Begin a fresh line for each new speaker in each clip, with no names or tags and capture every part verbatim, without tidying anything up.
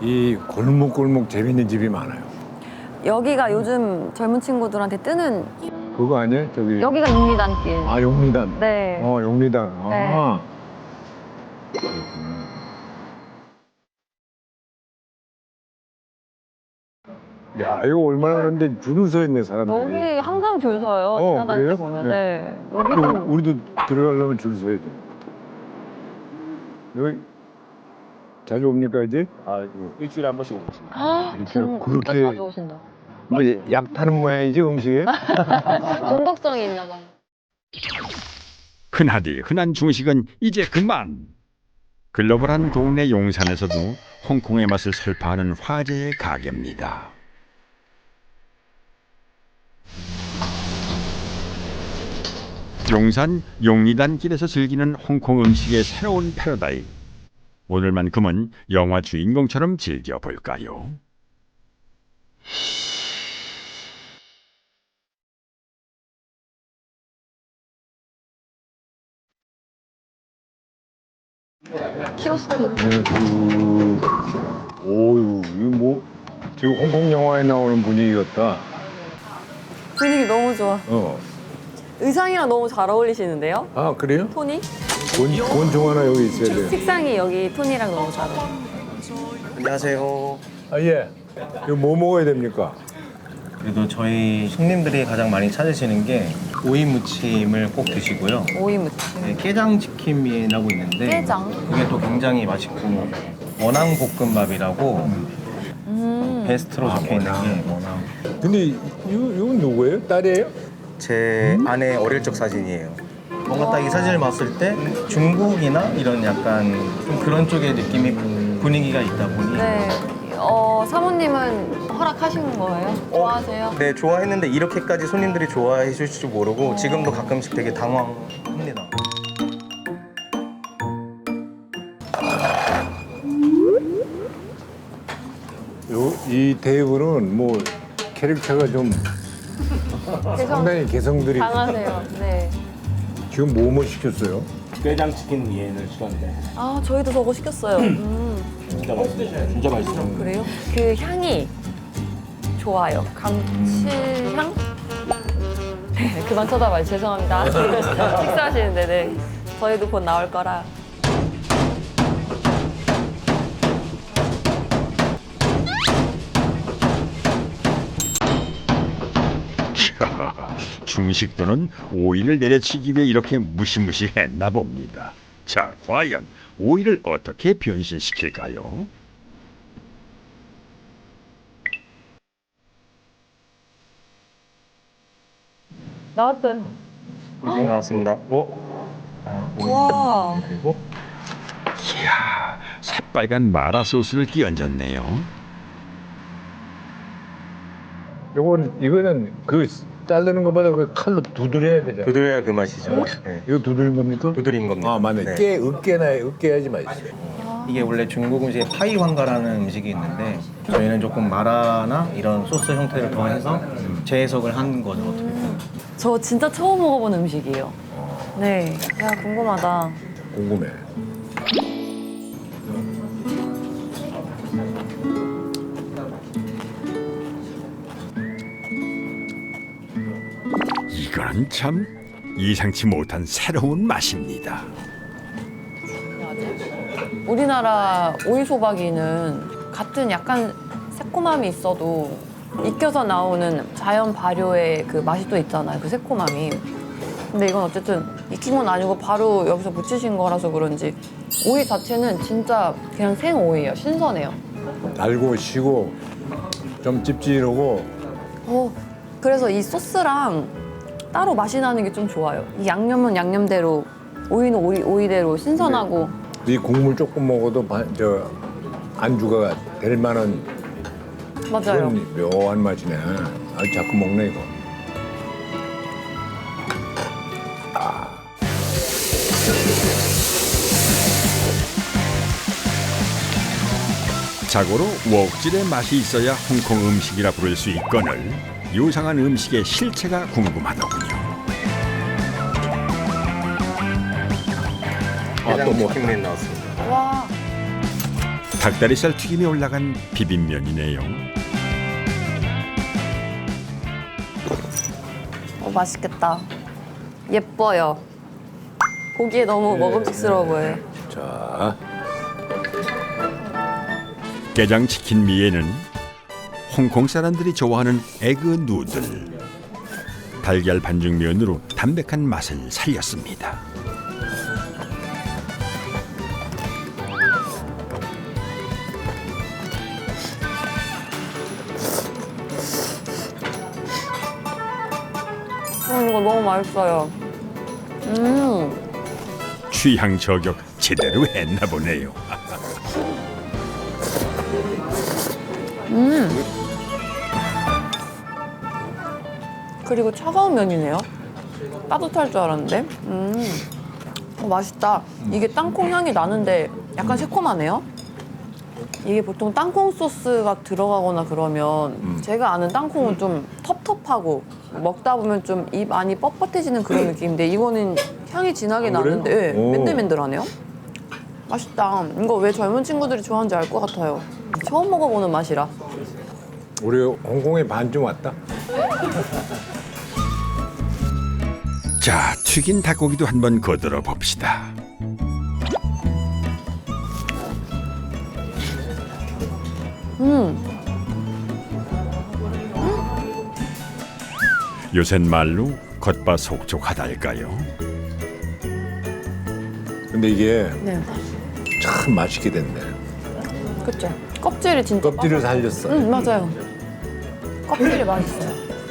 이 골목골목 재밌는 집이 많아요.
여기가 요즘 젊은 친구들한테 뜨는
그거 아니에요? 저기.
여기가 용리단길.
아, 용리단.
네.
어, 용리단.
네.
아. 야, 이거 얼마나 그런데 줄을 서 있네, 사람들이.
여기 항상 줄 서요.
어,
지나다닐
그래요?
때 보면.
네.
네.
그리고
여기도
우리도 들어가려면 줄 서야 돼. 여기 자주 옵니까, 이제?
아, 일주일에 한 번씩 오고 있습니다.
아, 지금
그렇게-
진짜 자주 오신다.
뭐, 약 타는 모양이지, 음식에?
중독성이 있나 봐.
흔하디 흔한 중식은 이제 그만. 글로벌한 동네 용산에서도 홍콩의 맛을 설파하는 화제의 가게입니다. 용산 용리단 길에서 즐기는 홍콩 음식의 새로운 패러다임. 오늘만큼은 영화 주인공처럼 즐겨볼까요?
키오스크.
네, 그... 오유, 이거 뭐, 지금 홍콩 영화에 나오는 분위기 같다.
분위기 너무 좋아.
어.
의상이랑 너무 잘 어울리시는데요?
아, 그래요?
토니?
권, 권총 하나 여기 있어야 돼요.
색상이 여기 토니랑 너무 잘 어울려.
안녕하세요.
아, 예. 이거 뭐 먹어야 됩니까?
그래도 저희 손님들이 가장 많이 찾으시는 게 오이 무침을 꼭 드시고요.
오이 무침.
네, 깨장 치킨이라고 있는데
깨장?
그게 또 굉장히 맛있고 원앙 볶음밥이라고
음.
베스트로 적혀 있는 게 원앙.
근데 이, 이건 누구예요? 딸이에요?
제 아내 어릴 적 사진이에요. 뭔가 딱 이 사진을 봤을 때 중국이나 이런 약간 좀 그런 쪽의 느낌이 분위기가 있다 보니
네. 어, 사모님은 허락하신 거예요? 좋아하세요?
네, 좋아했는데 이렇게까지 손님들이 좋아해 주실 줄 모르고 지금도 가끔씩 되게 당황합니다.
요, 이 테이블은 뭐 캐릭터가 좀 상당히 개성들이.
강하세요. 네.
지금 뭐뭐 시켰어요?
깨장 치킨 위에는 시켰는데
아, 저희도 저거 시켰어요. 음.
진짜 맛있어요. 진짜 맛있어요.
그래요? 그 향이 좋아요. 감칠향? 네, 그만 쳐다봐요. 죄송합니다. 식사하시는데, 네. 저희도 곧 나올 거라.
중식도는 오이를 내려치기 위해 이렇게 무시무시했나 봅니다. 자, 과연 오이를 어떻게 변신시킬까요?
나왔어요.
네, 나왔습니다.
어?
와.
그리고
이야, 새빨간 마라 소스를 끼얹었네요.
요건 이거는 그 자르는 것보다 그 칼로 두드려야 되잖아.
두드려야 그 맛이죠. 네.
이거 두드린 겁니까?
두드린 겁니다.
아, 맞네.
네.
깨, 으깨나 으깨야지 맛있어요.
이게 원래 중국 음식에 파이 황가라는 음식이 있는데 저희는 조금 마라나 이런 소스 형태를 더해서 재해석을 한 거죠. 어떻게 보면.
저 진짜 처음 먹어본 음식이에요. 네. 야, 궁금하다.
궁금해.
이거는 참 예상치 못한 새로운 맛입니다.
우리나라 오이소박이는 같은 약간 새콤함이 있어도 익혀서 나오는 자연 발효의 그 맛이 또 있잖아요. 그 새콤함이. 근데 이건 어쨌든 익힌 건 아니고 바로 여기서 무치신 거라서 그런지 오이 자체는 진짜 그냥 생 오이예요. 신선해요.
달고 시고 좀 찝찝하고.
어, 그래서 이 소스랑 따로 맛이 나는 게 좀 좋아요. 이 양념은 양념대로, 오이는 오이, 오이대로 신선하고.
이 국물 조금 먹어도 바, 저 안주가 될 만한
맞아요.
그런 묘한 맛이네. 아, 자꾸 먹네 이거.
자고로 웍질의 맛이 있어야 홍콩 음식이라 부를 수 있거늘 요상한 음식의 실체가 궁금하더군요.
아, 또
깨장
뭐.
치킨이 나왔습니다.
와.
닭다리살 튀김이 올라간 비빔면이네요.
어, 맛있겠다. 예뻐요. 보기에 너무 먹음직스러워 보여요.
자,
게장 치킨 미에는 홍콩 사람들이 좋아하는 에그 누들, 달걀 반죽면으로 담백한 맛을 살렸습니다.
음, 이거 너무 맛있어요. 음,
취향 저격 제대로 했나 보네요.
그리고 차가운 면이네요. 따뜻할 줄 알았는데. 음, 어, 맛있다. 이게 땅콩 향이 나는데 약간 새콤하네요. 이게 보통 땅콩 소스가 들어가거나 그러면 제가 아는 땅콩은 좀 텁텁하고 먹다 보면 좀 입 안이 뻣뻣해지는 그런 느낌인데 이거는 향이 진하게
아, 그래요?
나는데 예,
오.
맨들맨들하네요. 맛있다. 이거 왜 젊은 친구들이 좋아하는지 알 것 같아요. 처음 먹어보는 맛이라.
우리 홍콩에 반쯤 왔다.
자, 튀긴 닭고기도 한번 거들어 봅시다.
음,
요샌 말로 겉바속촉하달까요?
근데 이게
네,
참 맛있게 됐네.
그쵸. 껍질이 진짜
껍질을 살렸어.
응, 맞아요. 껍질이 맛있어요.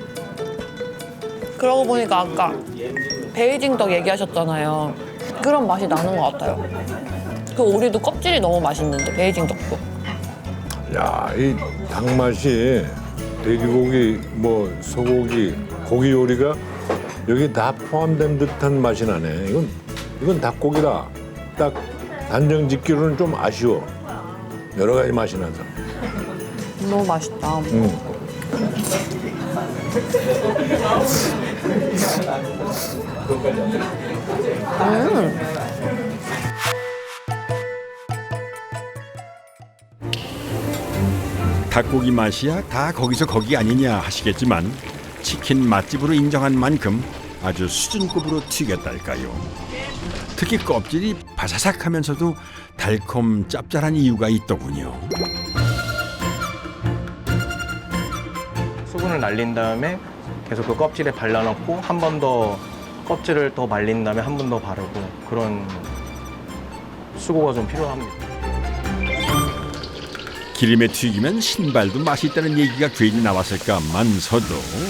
그러고 보니까 아까 베이징 떡 얘기하셨잖아요. 그런 맛이 나는 것 같아요. 그 오리도 껍질이 너무 맛있는데 베이징 떡도.
야, 이 닭 맛이 돼지고기, 뭐 소고기, 고기 요리가 여기 다 포함된 듯한 맛이 나네. 이건 이건 닭고기다. 딱 단정 짓기로는 좀 아쉬워. 여러 가지 맛이 나서.
너무 맛있다.
음.
닭고기 맛이야 다 거기서 거기 아니냐 하시겠지만 치킨 맛집으로 인정한 만큼 아주 수준급으로 튀겼달까요. 특히 껍질이 바사삭하면서도 달콤 짭짤한 이유가 있더군요.
수분을 날린 다음에 계속 그 껍질에 발라놓고 한 번 더 껍질을 더 말린 다음에 한 번 더 바르고 그런 수고가 좀 필요합니다.
기름에 튀기면 신발도 맛이 있다는 얘기가 괜히 나왔을까만서도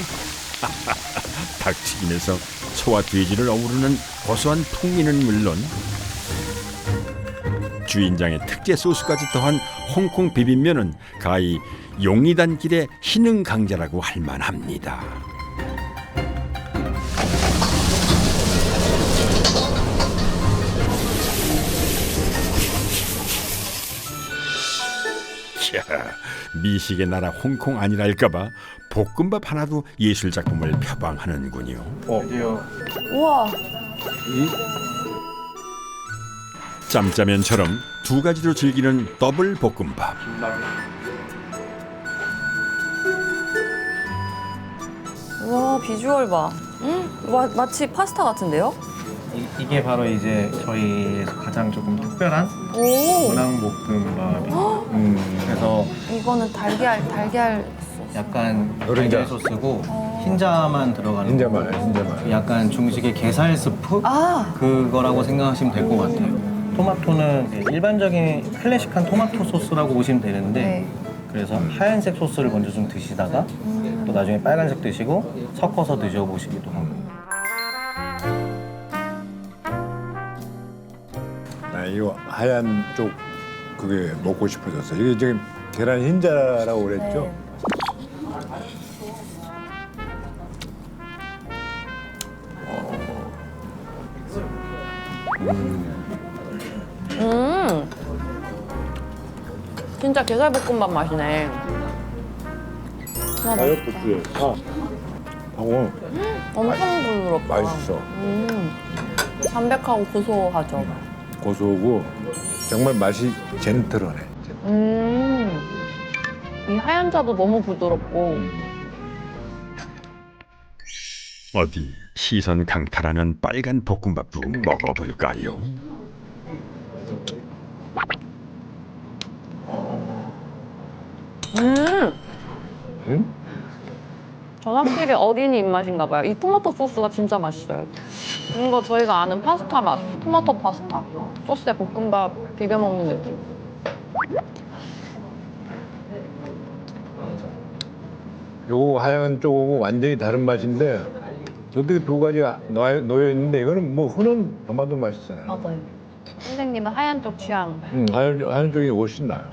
닭튀김에서 소와 돼지를 어우르는 고소한 풍미는 물론 주인장의 특제 소스까지 더한 홍콩 비빔면은 가히 용리단길의 희능 강자라고 할 만합니다. 이야, 미식의 나라 홍콩 아니랄까봐 볶음밥 하나도 예술 작품을 표방하는군요.
우와,
짬짜면처럼 두 가지로 즐기는 더블 볶음밥.
우와 비주얼 봐. 음, 마, 마치 파스타 같은데요?
이, 게 바로 이제 저희에서 가장 조금 특별한
오,
문항볶음밥이에요. 음, 그래서
이거는 달걀 달걀 소스.
약간
노른자.
달걀 소스고 흰자만 들어가는
흰자말,
거고
흰자말.
약간 중식의 게살 스프
아,
그거라고 생각하시면 될 것 같아요. 토마토는 일반적인 클래식한 토마토 소스라고 보시면 되는데
네.
그래서 하얀색 소스를 먼저 좀 드시다가 또 나중에 빨간색 드시고 섞어서 드셔보시기도 하고.
나 이거 하얀 쪽 그게 먹고 싶어졌어. 이게 지금 계란 흰자라고 그랬죠?
네. 음, 진짜 게살볶음밥 맛이네. 와, 맛있다.
다이어트 아, 방어
엄청 부드럽다.
맛있어.
음, 담백하고 고소하죠.
고소하고 정말 맛이 젠틀하네.
음, 하얀자도 너무 부드럽고
어디 시선 강탈하는 빨간 볶음밥도 먹어볼까요?
음!
응?
전 확실히 어린이 입맛인가 봐요. 이 토마토 소스가 진짜 맛있어요. 이거 저희가 아는 파스타 맛. 토마토 파스타. 소스에 볶음밥 비벼 먹는 느낌.
요거 하얀 쪽하고 완전히 다른 맛인데 어떻게 두 가지가 놓여, 놓여 있는데 이거는 뭐 흔한 토마토 맛이잖아요.
맞아요. 선생님은 하얀 쪽 취향.
음, 하얀, 하얀 쪽이 훨씬 나요.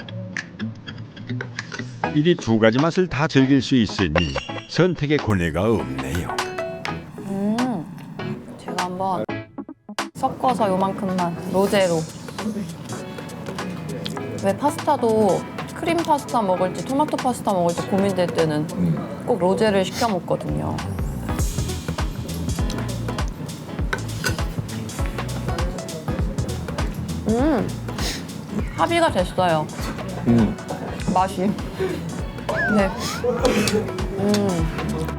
이리 두 가지 맛을 다 즐길 수 있으니 선택의 고뇌가 없네요.
음, 제가 한번 섞어서 요만큼만 로제로. 왜 파스타도 크림 파스타 먹을지 토마토 파스타 먹을지 고민될 때는 꼭 로제를 시켜 먹거든요. 음, 합의가 됐어요.
음.
맛이. 네. 음.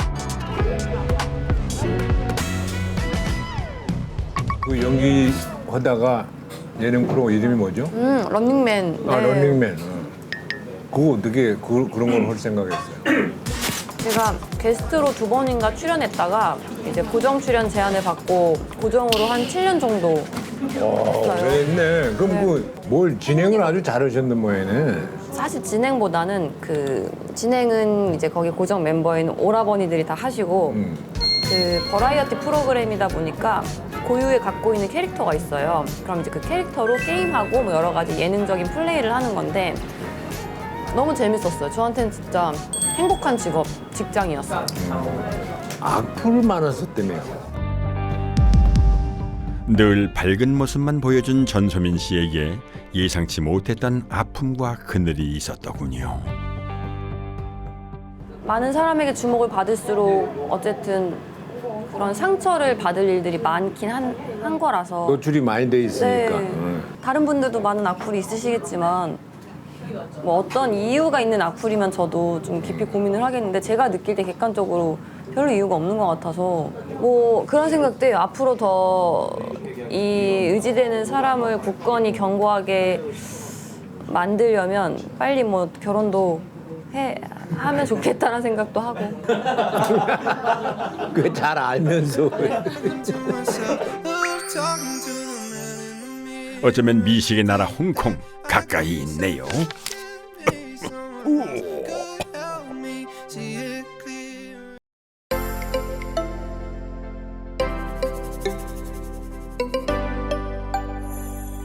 그 연기하다가 예능 프로 이름이 뭐죠?
음, 런닝맨.
아,
네.
런닝맨. 어. 그거 어떻게 그, 그런 걸 할 생각했어요?
제가 게스트로 두 번인가 출연했다가 이제 고정 출연 제안을 받고 고정으로 한 칠 년 정도
어, 그랬네. 그럼
네.
그 뭘 진행을 아주 잘하셨는 모양이네.
사실 진행보다는 그 진행은 이제 거기 고정 멤버인 오라버니들이 다 하시고
음.
그 버라이어티 프로그램이다 보니까 고유의 갖고 있는 캐릭터가 있어요. 그럼 이제 그 캐릭터로 게임하고 뭐 여러 가지 예능적인 플레이를 하는 건데 너무 재밌었어요. 저한테는 진짜 행복한 직업, 직장이었어요.
악플 많았었다며요.
늘 밝은 모습만 보여준 전소민 씨에게 예상치 못했던 아픔과 그늘이 있었더군요.
많은 사람에게 주목을 받을수록 어쨌든 그런 상처를 받을 일들이 많긴 한, 한 거라서
노출이 많이 돼 있으니까.
네.
응.
다른 분들도 많은 악플이 있으시겠지만 뭐 어떤 이유가 있는 악플이면 저도 좀 깊이 고민을 하겠는데 제가 느낄 때 객관적으로 별로 이유가 없는 것 같아서 뭐 그런 생각도 해요. 앞으로 더 이 의지되는 사람을 굳건히 견고하게 만들려면 빨리 뭐 결혼도 해 하면 좋겠다는 생각도 하고.
그거 잘 알면서.
어쩌면 미식의 나라 홍콩 가까이 있네요.